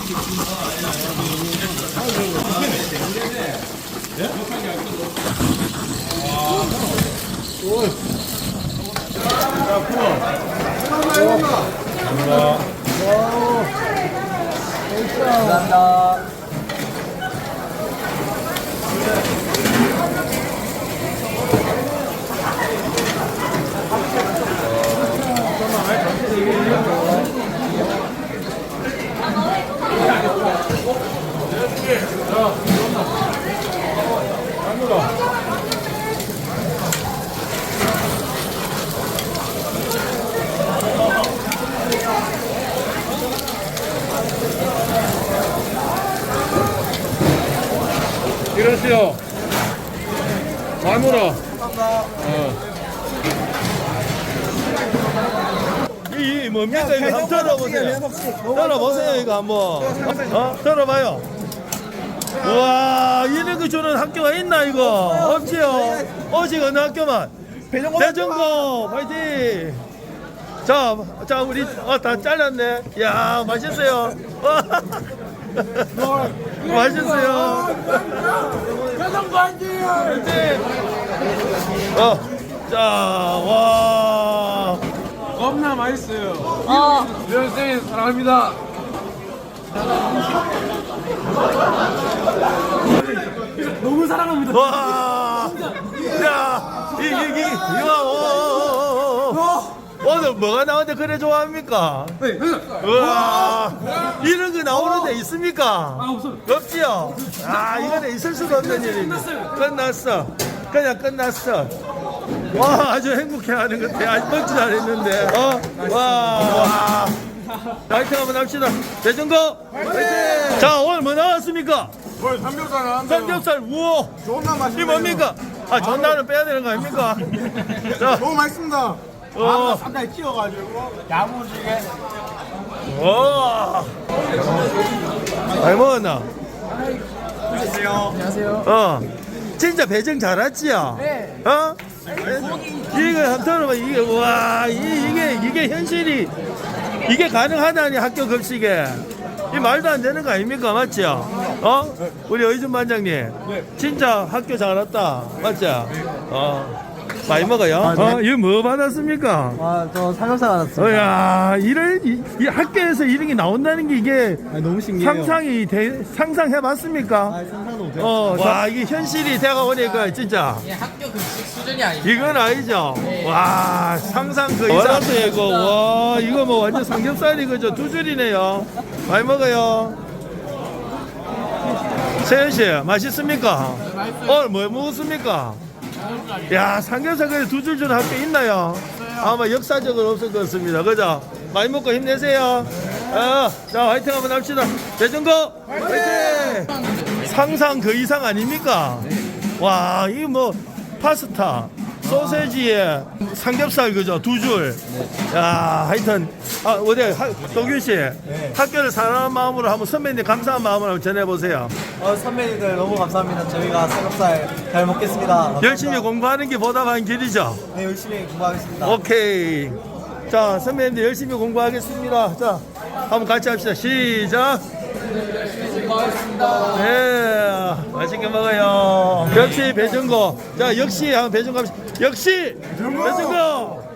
감사합니다. 이러시오. 마누라. 이 뭡니까 이거 한번 들어보세요. 들어보세요 이거 한번. 들어봐요. 와 이런 거 주는 학교가 있나 이거? 없지요. 오직 어느 학교만? 대전고 파이팅. 자 우리 다 잘랐네. 야 맛있어요. 맛있어요. 대전고 파이팅. 자, 와. 겁나 맛있어요. 선생님 사랑합니다. 너무 사랑합니다. 와. 야, 오늘 뭐가 나오는데 그래 좋아합니까? 네. 와, 이런 거 나오는 데 있습니까? 아, 없어요. 없지요? 이거는 있을 수가 없는 일입니다. 끝났어. 그냥 끝났어. 와, 아주 행복해 하는 것 같아. 아직 먹지도 않았는데. 와. 파이팅 한번 합시다. 대전고 파이팅! 자, 오늘 뭐 나왔습니까? 오늘 삼겹살 나왔는데요. 삼겹살, 우와. 존나 이 맛있네요. 뭡니까? 전단은 빼야 되는 거 아닙니까? 자, 너무 맛있습니다. 상당히 찌워가지고 야무지게. 와. 많이 먹었나? 안녕하세요. 진짜 배정 잘했지요? 네. 이거 한번 들어봐. 이게, 와, 이게 현실이, 이게 가능하다니, 학교 급식에. 이 말도 안 되는 거 아닙니까? 맞죠? 우리 의준 반장님. 진짜 학교 잘 왔다. 맞죠? 많이 먹어요? 이거 뭐 받았습니까? 저 삼겹살 받았어요. 야, 이 학교에서 이런 게 나온다는 게 이게 너무 신기해요. 상상해봤습니까? 상상도 못해요. 와, 이게 현실이 대가 오니까 진짜. 학교 급식 수준이 아니에요. 이건 아니죠. 와, 상상 그 이상. 알았어, 이거. 와, 이거 뭐 완전 삼겹살이 그죠? 두 줄이네요. 많이 먹어요. 세현 씨, 맛있습니까? 오늘 뭐 먹었습니까? 야, 삼겹살 그래 두 줄 주는 학교 있나요? 아마 역사적으로 없을 것 같습니다. 그죠? 많이 먹고 힘내세요. 자, 화이팅 한번 합시다. 대전고 화이팅! 상상 그 이상 아닙니까? 와, 이거 뭐 파스타, 소세지에 삼겹살 그죠? 두 줄. 야, 하여튼 동균 씨, 학교를 사랑하는 마음으로 한번 선배님 감사한 마음을 한번 전해보세요. 선배님들 너무 감사합니다. 저희가 삼겹살 잘 먹겠습니다. 감사합니다. 열심히 공부하는 게 보답한 길이죠. 네, 열심히 공부하겠습니다. 오케이. 자, 선배님들 열심히 공부하겠습니다. 자, 한번 같이 합시다. 시작. 네, 맛있게 먹어요. 역시 배정고. 자, 역시 한번 배정고 합시다. 역시 배정고.